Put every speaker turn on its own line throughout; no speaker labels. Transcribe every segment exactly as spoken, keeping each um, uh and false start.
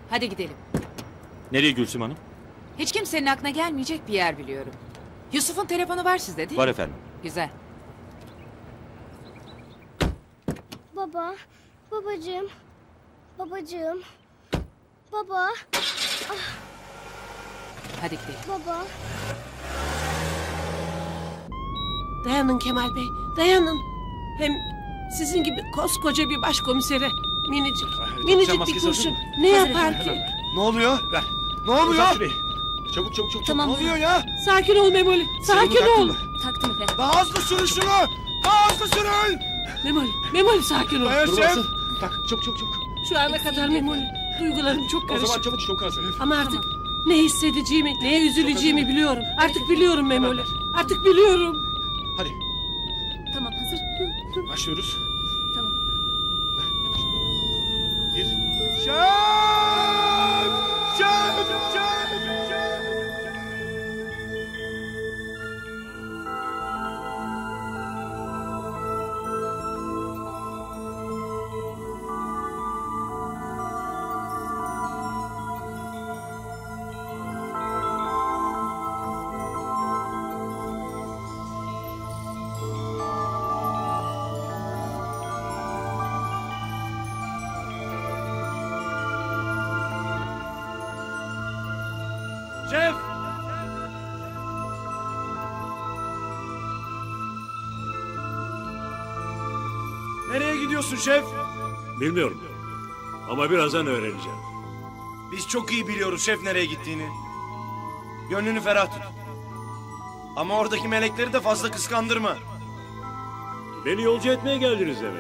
Hadi gidelim.
Nereye Gülsüm Hanım?
Hiç kimsenin aklına gelmeyecek bir yer biliyorum. Yusuf'un telefonu var sizde değil mi?
Var efendim.
Güzel.
Baba, babacığım, babacığım, baba,
Hadi gidelim.
baba.
Dayanın Kemal Bey, dayanın. Hem sizin gibi koskoca bir başkomisere minicik, minicik bir kurşun ne yapar ki?
Ne oluyor?
Ver.
Ne oluyor?
Uzat şurayı. Çabuk çabuk çabuk.
Tamam.
Ne oluyor ya?
Sakin ol Memoli, sakin
Senin
ol.
aklın mı?
Taktım efendim.
Daha hızlı sürün şunu! Daha hızlı sürün!
Memoli, Memoli sakin ol.
Dayan
Dur
şef!
basın. Tak çabuk çabuk çabuk.
Şu ana kadar Memoli, duygularım çok
O zaman
karışık.
çabuk çok az.
Ama artık ne hissedeceğimi, neye üzüleceğimi biliyorum. Artık biliyorum Memoli, artık biliyorum.
Hadi
Tamam, hazır.
başlıyoruz.
Tamam.
Bir.
Şef! Şef! Şef! Şef! Şef! Nereye gidiyorsun şef?
Bilmiyorum. Ama birazdan öğreneceğim.
Biz çok iyi biliyoruz şef nereye gittiğini. Gönlünü ferah tut. Ama oradaki melekleri de fazla kıskandırma.
Beni yolcu etmeye geldiniz demek.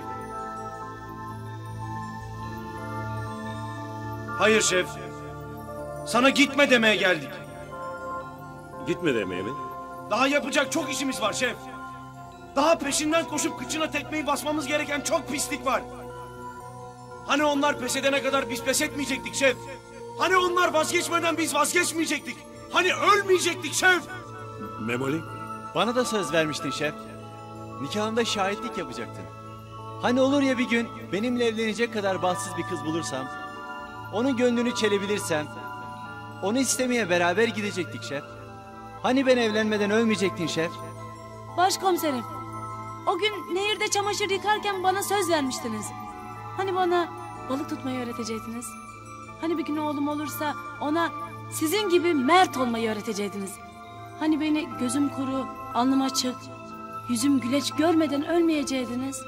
Hayır şef. Sana gitme demeye geldik.
Gitme demeye mi?
Daha yapacak çok işimiz var şef. Daha peşinden koşup kıçına tekmeyi basmamız gereken çok pislik var. Hani onlar pes edene kadar biz pes etmeyecektik şef. Hani onlar vazgeçmeden biz vazgeçmeyecektik. Hani ölmeyecektik şef.
Memoli?
Bana da söz vermiştin şef. Nikahımda şahitlik yapacaktın. Hani olur ya bir gün benimle evlenecek kadar bahtsız bir kız bulursam, onun gönlünü çelebilirsem, onu istemeye beraber gidecektik şef. Hani ben evlenmeden ölmeyecektin şef?
Başkomiserim, o gün nehirde çamaşır yıkarken bana söz vermiştiniz. Hani bana balık tutmayı öğretecektiniz. Hani bir gün oğlum olursa ona sizin gibi mert olmayı öğretecektiniz. Hani beni gözüm kuru, alnım açık, yüzüm güleç görmeden ölmeyecektiniz.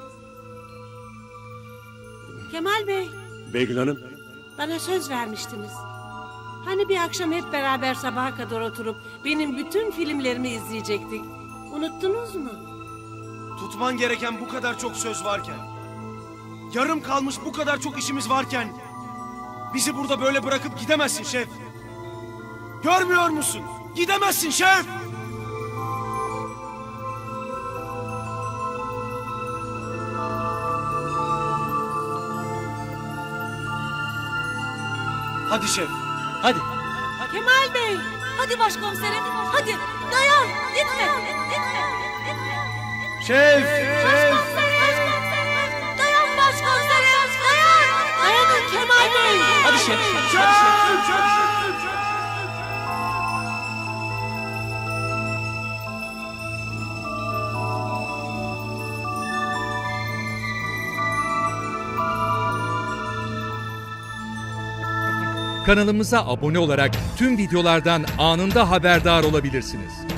Kemal Bey,
Beygül Hanım.
bana söz vermiştiniz. Hani bir akşam hep beraber sabaha kadar oturup benim bütün filmlerimi izleyecektik. Unuttunuz mu?
Tutman gereken bu kadar çok söz varken, yarım kalmış bu kadar çok işimiz varken, bizi burada böyle bırakıp gidemezsin şef. Görmüyor musun? Gidemezsin şef. Hadi şef.
Hadi.
Kemal Bey, hadi başkomiserim, hadi dayan, gitme, gitme, gitme.
Şef. Şef.
Dayan başkomiserim, dayan.
Dayanın Kemal Bey.
Hadi şef.
Kanalımıza abone olarak tüm videolardan anında haberdar olabilirsiniz.